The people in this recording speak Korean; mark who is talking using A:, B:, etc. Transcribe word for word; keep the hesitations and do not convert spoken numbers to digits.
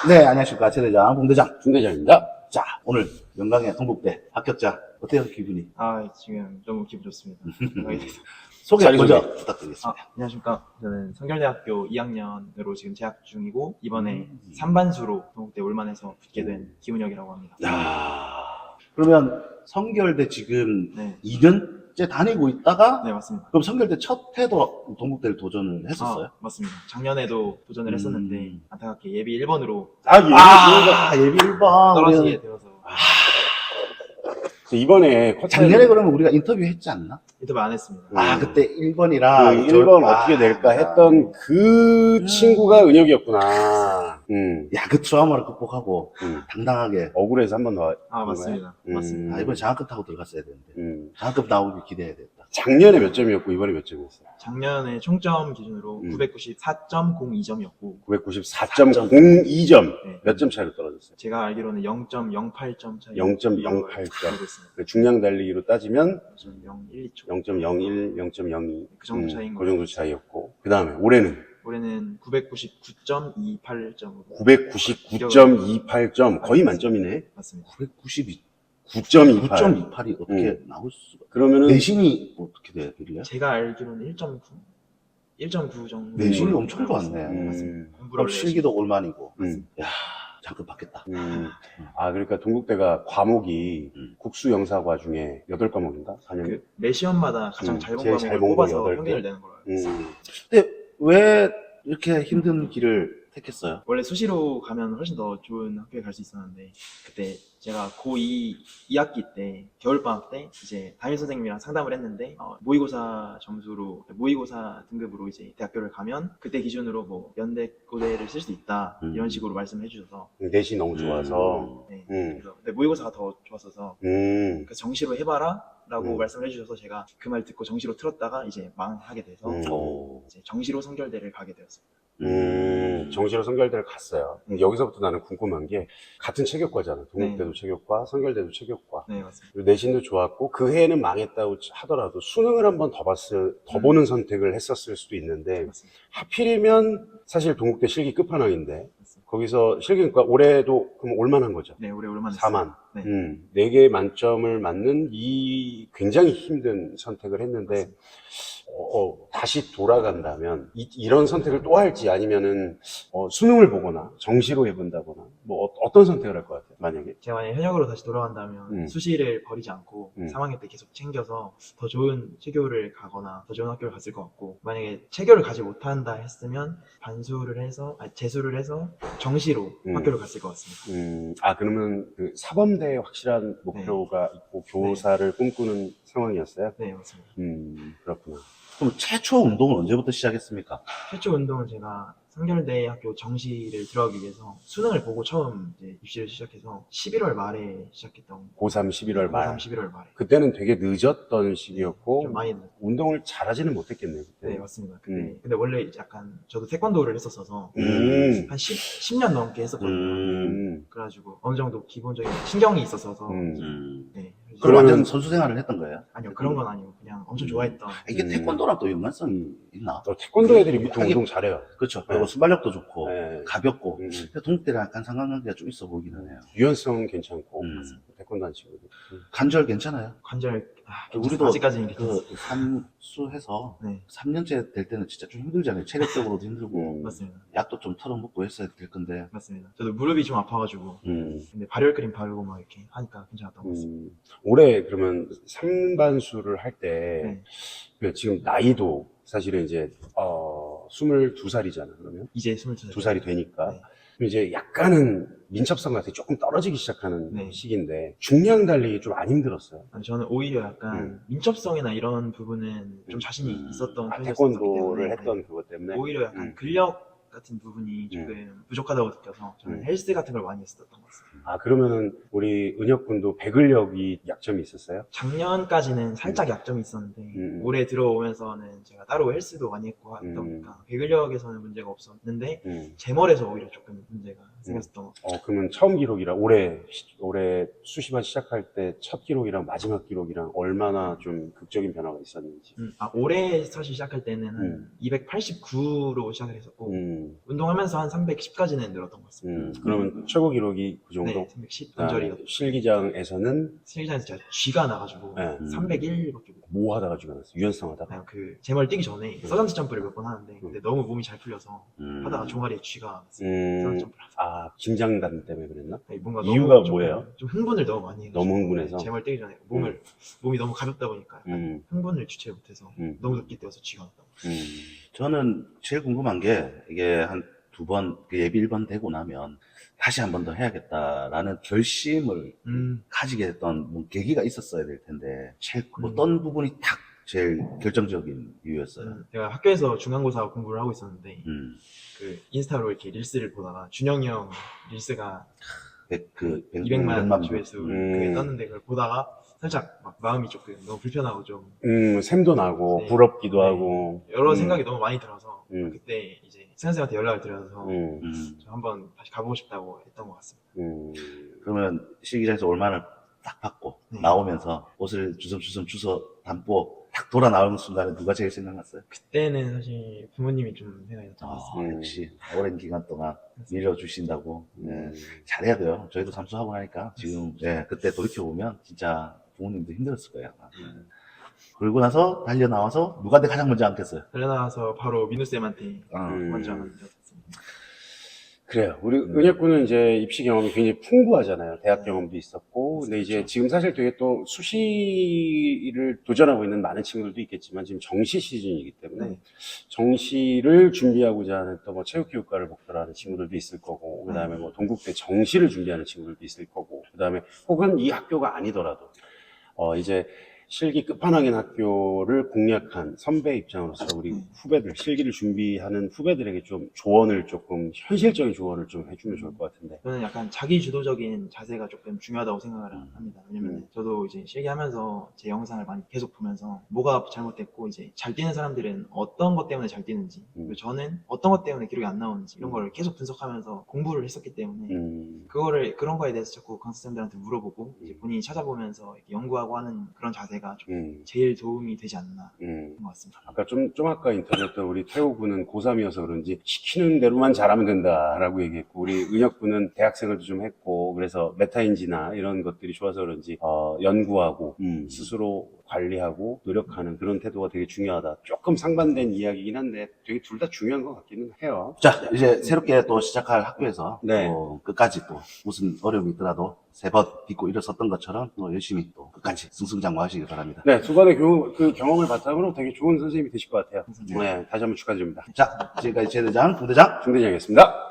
A: 네, 안녕하십니까. 최대장, 봉대장.
B: 중대장입니다.
A: 자, 오늘 영광의 동북대 합격자. 어때요, 기분이?
C: 아, 지금 너무 기분 좋습니다.
A: 소개
B: 자기
A: 먼저
B: 소개.
A: 부탁드리겠습니다.
C: 아, 안녕하십니까. 저는 성결대학교 이 학년으로 지금 재학 중이고, 이번에
A: 음.
C: 삼 반수로 동국대 올만해서 붙게 된 김은혁이라고 합니다.
A: 야 그러면 성결대 지금
C: 네,
A: 이 년째 다니고 있다가,
C: 네, 맞습니다.
A: 그럼 성결대 첫 해도 동북대를 도전을 했었어요?
C: 아, 맞습니다. 작년에도 도전을
A: 음.
C: 했었는데, 안타깝게 예비 일 번으로
B: 아, 예.
A: 아, 예비 일 번.
C: 떨어지게 되어서
B: 이번에 쿼터
A: 작년에 그러면 우리가 인터뷰 했지 않나?
C: 인터뷰 안 했습니다.
B: 음.
A: 아, 그때 일 번이라.
B: 그 일 번 어떻게 낼까 했던 그
A: 음.
B: 친구가 은혁이었구나. 음.
A: 야, 그 트라우마를 극복하고
B: 음.
A: 당당하게.
B: 억울해서 한 번 더.
C: 아, 맞습니다.
B: 음.
C: 맞습니다.
A: 아, 이번에 장학금 타고 들어갔어야 되는데.
B: 음.
A: 장학금 나오길 기대해야 됐다.
B: 작년에 몇 점이었고 이번에 몇 점이었어요?
C: 작년에 총점 기준으로
B: 음.
C: 구백구십사 점 공이 점이었고,
B: 구백구십사 점 공이 점.
C: 네.
B: 몇 점 차이로 떨어졌어요?
C: 제가 알기로는 영 점 영팔 점 차이.
B: 영 점 영팔 점.
C: 알고 있습니다.
B: 그 중량 달리기로 따지면
C: 영 점 영일 초.
B: 영 점 영일, 영 점 영이.
C: 그 정도 차이인
B: 그
C: 거예요.
B: 정도 차이였고. 그 다음에 올해는
C: 올해는 구백구십구 점 이팔 점으로
B: 구백구십구 점 이팔 점. 거의 만점이네.
C: 맞습니다.
A: 구백구십이.
B: 구 점 이팔.
A: 구 점 이팔이 어떻게
B: 음.
A: 나올 수가?
B: 그러면은
A: 내신이 어떻게 되길래?
C: 제가 알기로는 일 점 구, 일 점 구 정도.
A: 내신이
B: 음.
A: 엄청 좋았네.
B: 음.
C: 공부를
A: 그럼
C: 원래
A: 실기도 올만이고.
B: 음.
A: 야, 장금 받겠다.
B: 음. 아, 그러니까 동국대가 과목이
A: 음.
B: 국수 영사과 중에 여덟 과목인가? 사 년.
C: 그 매 시험마다 가장
B: 음,
C: 잘 본
B: 제일 잘
C: 과목을
B: 본 거
C: 뽑아서
B: 여덟 개?
C: 평균을 내는 걸로 알고 있어요.
B: 음.
A: 근데 왜 이렇게 힘든 길을 택했어요?
C: 원래 수시로 가면 훨씬 더 좋은 학교에 갈 수 있었는데, 그때 제가 고이 이 학기 때 겨울방학 때 이제 담임 선생님이랑 상담을 했는데, 어, 모의고사 점수로 모의고사 등급으로 이제 대학교를 가면 그때 기준으로 뭐 연대 고대를 쓸 수 있다
A: 음.
C: 이런 식으로 말씀해 주셔서,
B: 내신 너무 좋아서.
C: 네,
B: 음.
C: 그래서 근데 모의고사가 더 좋았어서
B: 음.
C: 그래서 정시로 해봐라 라고
B: 음.
C: 말씀을 해주셔서 제가 그 말 듣고 정시로 틀었다가 이제 망하게 돼서
B: 음.
A: 오.
C: 이제 정시로 성결대를 가게 되었어요.
B: 음. 정시로 성결대를 갔어요. 근데 여기서부터 나는 궁금한 게 같은 체격과잖아. 동국대도
C: 네.
B: 체격과, 성결대도 체격과.
C: 네, 맞습니다.
B: 그리고 내신도 좋았고 그 해에는 망했다고 하더라도 수능을 한번 더 봤을, 더 보는 선택을 했었을 수도 있는데
C: 맞습니다.
B: 하필이면 사실 동국대 실기 끝판왕인데
C: 맞습니다.
B: 거기서 실기니까 올해도 그럼 올만한 거죠.
C: 네, 올해 올만 했어요.
B: 사만.
C: 네.
B: 음, 네 개 만점을 맞는 이 굉장히 힘든 선택을 했는데, 어, 어, 다시 돌아간다면, 이, 런 선택을 또 할지 아니면은, 어, 수능을 보거나, 정시로 해본다거나, 뭐, 어, 떤 선택을 할 것 같아요, 만약에?
C: 제가 만약 현역으로 다시 돌아간다면
B: 음.
C: 수시를 버리지 않고
B: 음.
C: 삼 학년 때 계속 챙겨서 더 좋은 체교를 가거나 더 좋은 학교를 갔을 것 같고, 만약에 체교를 가지 못한다 했으면 반수를 해서 아니 재수를 해서 정시로
B: 음.
C: 학교를 갔을 것 같습니다.
B: 음, 아, 그러면 그 사범대에 확실한 목표가 있고, 교사를 꿈꾸는 상황이었어요?
C: 네, 맞습니다.
B: 음, 그렇구나.
A: 그럼 최초 운동은 언제부터 시작했습니까?
C: 최초 운동은 제가 성결대 학교 정시를 들어가기 위해서 수능을 보고 처음 이제 입시를 시작해서 십일월 말에 시작했던
B: 고삼 십일월 말.
C: 고삼 십일월 말에
B: 그때는 되게 늦었던 시기였고,
C: 좀 많이 늦-
B: 운동을 잘하지는 못했겠네요, 그때.
C: 네, 맞습니다. 근데,
B: 음.
C: 근데 원래 이제 약간 저도 태권도를 했었어서
B: 음.
C: 한 십, 십 년 넘게 했었거든요.
A: 음.
B: 음.
C: 그래가지고 어느 정도 기본적인 신경이 있었어서
B: 음.
A: 음.
C: 네.
A: 그럼
B: 그러면-
A: 완전 선수 생활을 했던 거예요?
C: 아니요, 그런 건 아니고 그냥 엄청
A: 음.
C: 좋아했던.
A: 이게
B: 음.
A: 태권도랑 또 연관성이 있나?
B: 어, 태권도 애들이 보통
A: 하긴-
B: 운동 잘해요.
A: 그렇죠.
B: 네.
A: 그리고 순발력도 좋고,
B: 네.
A: 가볍고.
B: 음.
A: 근데 동국대랑 약간 상관관계가 좀 있어 보이기는 해요.
B: 유연성 괜찮고,
A: 음.
B: 태권도 한 친구들. 음.
A: 관절 괜찮아요?
C: 관절 아,
A: 우리도
C: 아직까지는
A: 그
C: 괜찮습니다.
A: 삼수해서
C: 네,
A: 삼 년째 될 때는 진짜 좀 힘들잖아요. 체력적으로도 힘들고,
B: 음.
C: 맞습니다.
A: 약도 좀 털어먹고 했어야 될 건데.
C: 맞습니다. 저도 무릎이 좀 아파가지고
B: 음.
C: 근데 발열크림 바르고 막 이렇게 하니까 괜찮았던 것 같습니다.
B: 음. 올해 그러면 삼반수를 할 때,
C: 네.
B: 지금 나이도 사실은 이제, 어, 스물두 살이잖아, 그러면.
C: 이제 스물두 살.
B: 두 살이 되니까.
C: 네.
B: 그럼 이제 약간은 민첩성 같은 게 조금 떨어지기 시작하는
C: 네.
B: 시기인데, 중량 달리기 좀 안 힘들었어요.
C: 아니, 저는 오히려 약간
B: 음.
C: 민첩성이나 이런 부분은 좀
B: 음.
C: 자신이
A: 음.
C: 있었던
B: 아,
C: 편이었기
B: 태권도를
C: 때문에
B: 했던 그것 때문에.
C: 오히려 약간
B: 음.
C: 근력 같은 부분이 조금 부족하다고 느껴서 저는
B: 음.
C: 헬스 같은 걸 많이 했었던 것 같습니다.
B: 아, 그러면은 우리 은혁 군도 배근력이 약점이 있었어요?
C: 작년까지는 살짝 약점이 있었는데
B: 음.
C: 올해 들어오면서는 제가 따로 헬스도 많이 했고 하다
B: 음.
C: 보니까 배근력에서는 문제가 없었는데
B: 음.
C: 제멀에서 오히려 조금 문제가 생겼었던 것 같아요.
B: 어, 그러면 처음 기록이라 올해 시- 올해 수시반 시작할 때 첫 기록이랑 마지막 기록이랑 얼마나 좀 극적인 변화가 있었는지.
C: 음, 아, 올해 사실 시작할 때는 한
B: 음.
C: 이백팔십구로 시작을 했었고
B: 음. 음,
C: 운동하면서 한 삼백십까지는 늘었던 것 같습니다.
B: 음. 그러면 최고 기록이 그 정도?
C: 네, 삼백십
B: 그다음에
C: 관절이요.
B: 실기장에서는
C: 실기장에서 제가 쥐가 나가지고
B: 네.
C: 삼백일밖에 못.
B: 뭐 하다가 죽어났어? 유연성 하다가?
C: 그냥 그 제멀 뛰기 전에 서전트 점프를 몇 번 하는데 근데 너무 몸이 잘 풀려서
A: 음.
C: 하다가 종아리에 쥐가 났어요.
B: 음,
C: 서전트 점프를 하다가.
B: 아, 긴장감 때문에 그랬나?
C: 아니, 뭔가
B: 이유가
C: 너무 좀-
B: 뭐예요?
C: 좀 흥분을 너무 많이 해가지고
B: 너무 흥분해서?
C: 제멀 뛰기 전에 몸을 몸이 너무 가볍다 보니까 약간
B: 음,
C: 흥분을 주체 못해서
B: 음.
C: 너무 늦게 뛰어서 쥐가 났다고.
B: 음,
A: 저는 제일 궁금한 게 이게 한 두 번 예비 일 번 되고 나면 다시 한 번 더 해야겠다라는 결심을
C: 음.
A: 가지게 됐던 뭐 계기가 있었어야 될 텐데 제일
C: 음.
A: 어떤 부분이 딱 제일 결정적인 이유였어요.
C: 음, 제가 학교에서 중간고사 공부를 하고 있었는데
A: 음.
C: 그 인스타로 이렇게 릴스를 보다가 준영이 형 릴스가
A: 백, 그, 백-
C: 이백만
A: 백만
C: 조회수
B: 음.
C: 그게 떴는데 그걸 보다가 살짝 막 마음이 조금 너무 불편하고 좀
B: 음, 샘도 나고,
C: 네.
B: 부럽기도
C: 네.
B: 하고.
C: 여러
B: 음,
C: 생각이 너무 많이 들어서
B: 음.
C: 그때 이제 승현 쌤한테 연락을 드려서
B: 음,
A: 음.
C: 저 한번 다시 가보고 싶다고 했던 것 같습니다.
B: 음.
A: 그러면 실기장에서 얼마나 딱 받고
C: 네.
A: 나오면서 옷을 주섬주섬 주워 담고 딱 돌아 나오는 순간에 누가 제일 생각났어요?
C: 그때는 사실 부모님이 좀 생각이 났던 것
A: 아,
C: 같습니다.
B: 음.
A: 역시 오랜 기간 동안 밀어주신다고. 네.
B: 음.
A: 잘해야 돼요. 저희도 삼수하고 나니까 지금 예, 그때 돌이켜보면 진짜 부모님도 힘들었을 거예요. 아마.
B: 음.
A: 그러고 나서 달려 나와서 누구한테 가장 먼저 안겠어요?
C: 달려나와서 바로 민우 쌤한테
A: 아,
B: 음.
C: 먼저 안겼습니다.
B: 그래요. 우리
A: 음.
B: 은혁군은 이제 입시 경험이 굉장히 풍부하잖아요. 대학 경험도 있었고. 근데 이제
C: 그렇죠.
B: 지금 사실 되게 또 수시를 도전하고 있는 많은 친구들도 있겠지만 지금 정시 시즌이기 때문에
C: 네.
B: 정시를 준비하고자 하는 또 뭐 체육교육과를 목표로 하는 친구들도 있을 거고, 그 다음에 뭐 동국대 정시를 준비하는 친구들도 있을 거고, 그 다음에 혹은 이 학교가 아니더라도, 어, 이제 실기 끝판왕인 학교를 공략한 선배 입장으로서 우리 후배들, 실기를 준비하는 후배들에게 좀 조언을 조금, 현실적인 조언을 좀 해주면 좋을 것 같은데.
C: 저는 약간 자기 주도적인 자세가 조금 중요하다고 생각을
A: 음.
C: 합니다. 왜냐면
B: 음.
C: 저도 이제 실기하면서 제 영상을 많이 계속 보면서 뭐가 잘못됐고 이제 잘 뛰는 사람들은 어떤 것 때문에 잘 뛰는지
B: 음.
C: 그리고 저는 어떤 것 때문에 기록이 안 나오는지 이런 걸 계속 분석하면서 공부를 했었기 때문에
B: 음,
C: 그거를 그런 거에 대해서 자꾸 강사님들한테 물어보고 이제
B: 음.
C: 본인이 찾아보면서 이렇게 연구하고 하는 그런 자세가 좀
B: 음,
C: 제일 도움이 되지 않나
B: 음.
C: 그런 것 같습니다.
B: 아까 좀, 좀 아까 인터뷰했던 우리 태호 군은 고삼이어서 그런지 시키는 대로만 잘하면 된다라고 얘기했고, 우리 은혁 군은 대학생활도 좀 했고, 그래서 메타인지나 이런 것들이 좋아서 그런지, 어, 연구하고,
A: 음.
B: 스스로 관리하고 노력하는 그런 태도가 되게 중요하다. 조금 상반된 이야기긴 한데 되게 둘 다 중요한 것 같기는 해요.
A: 자, 이제 새롭게 또 시작할 학교에서
B: 네.
A: 또 끝까지 또 무슨 어려움이 있더라도 세 번 딛고 일어섰던 것처럼 또 열심히 또 끝까지 승승장구하시길 바랍니다.
B: 네, 두 번의 교, 그 경험을 바탕으로 되게 좋은 선생님이 되실 것 같아요.
C: 감사합니다.
B: 네, 다시 한번 축하드립니다.
A: 자, 지금까지 제 대장, 부대장
B: 중대장이었습니다.